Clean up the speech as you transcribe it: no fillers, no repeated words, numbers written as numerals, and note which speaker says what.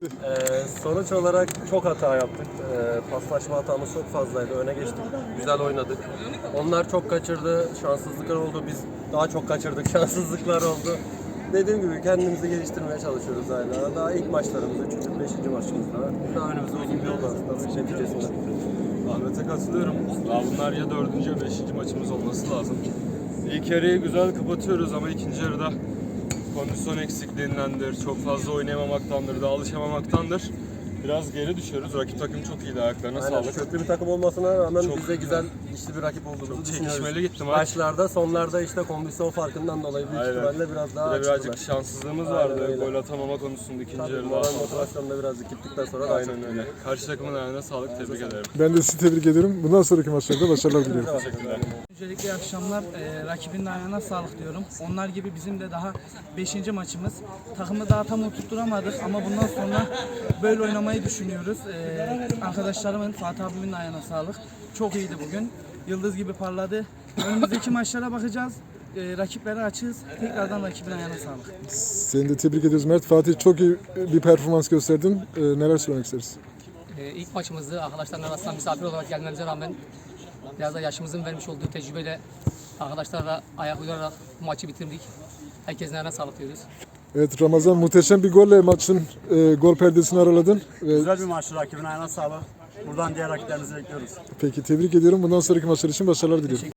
Speaker 1: Sonuç olarak çok hata yaptık. Paslaşma hatamız çok fazlaydı. Öne geçtik. Güzel oynadık. Onlar çok kaçırdı. Şanssızlıklar oldu. Biz daha çok kaçırdık. Şanssızlıklar oldu. Dediğim gibi kendimizi geliştirmeye çalışıyoruz hala. Daha ilk maçlarımız, 3. 5. maçımız daha önümüzde uzun bir yol var aslında neticesinde.
Speaker 2: Ahmet'e katılıyorum. Daha bunlar ya 4. ya 5. maçımız olması lazım. İlk yarıyı güzel kapatıyoruz ama ikinci yarıda kondisyon eksikliğindendir, çok fazla oynayamamaktandır, da alışamamaktandır. Biraz geri düşüyoruz. Rakip takım çok iyiydi, ayaklarına
Speaker 1: Aynen,
Speaker 2: sağlık.
Speaker 1: köklü bir takım olmasına rağmen
Speaker 2: Çok
Speaker 1: biz de güzel işli bir rakip olduğumuzu
Speaker 2: Çok
Speaker 1: düşünüyoruz.
Speaker 2: çekişmeli gitti maç.
Speaker 1: Başlarda, sonlarda işte kondisyon farkından dolayı büyük
Speaker 2: Aynen.
Speaker 1: ihtimalle biraz daha
Speaker 2: Bir de
Speaker 1: açtılar.
Speaker 2: birazcık şanssızlığımız
Speaker 1: Aynen
Speaker 2: vardı.
Speaker 1: öyle.
Speaker 2: Gol atamama konusunda ikinci
Speaker 1: Tabii,
Speaker 2: yarıda.
Speaker 1: moral motivasyonda birazcık gittikten sonra daha çok
Speaker 2: Aynen öyle. Karşı takımın ayağına sağlık, tebrik ederim.
Speaker 3: Ben de sizi tebrik ediyorum. Bundan sonraki maçlarda başarılar diliyorum.
Speaker 2: Teşekkürler.
Speaker 4: Öncelikle iyi akşamlar. Rakibin de ayağına sağlık diyorum. Onlar gibi bizim de daha 5. maçımız. Takımı daha tam oturtturamadık ama bundan sonra böyle oynamayı düşünüyoruz. Arkadaşlarımın, Fatih abimin de ayağına sağlık. Çok iyiydi bugün. Yıldız gibi parladı. Önümüzdeki maçlara bakacağız. Rakiplere açığız. Tekrardan rakibin ayağına sağlık.
Speaker 3: Seni de tebrik ediyoruz Mert. Fatih çok iyi bir performans gösterdin. Neler söylemek isteriz?
Speaker 5: İlk maçımızdı. Arkadaşların arasında misafir olarak gelmemize rağmen biraz da yaşımızın vermiş olduğu tecrübeyle arkadaşlarla ayak uydurarak bu maçı bitirdik. Herkesin ayağına sağlık diyoruz.
Speaker 3: Evet Ramazan, muhteşem bir golle maçın gol perdesini araladın.
Speaker 6: Güzel bir maçtı, rakibin ayağına sağlık. Buradan diğer rakiplerimizi bekliyoruz.
Speaker 3: Peki tebrik ediyorum. Bundan sonraki maçlar için başarılar diliyorum.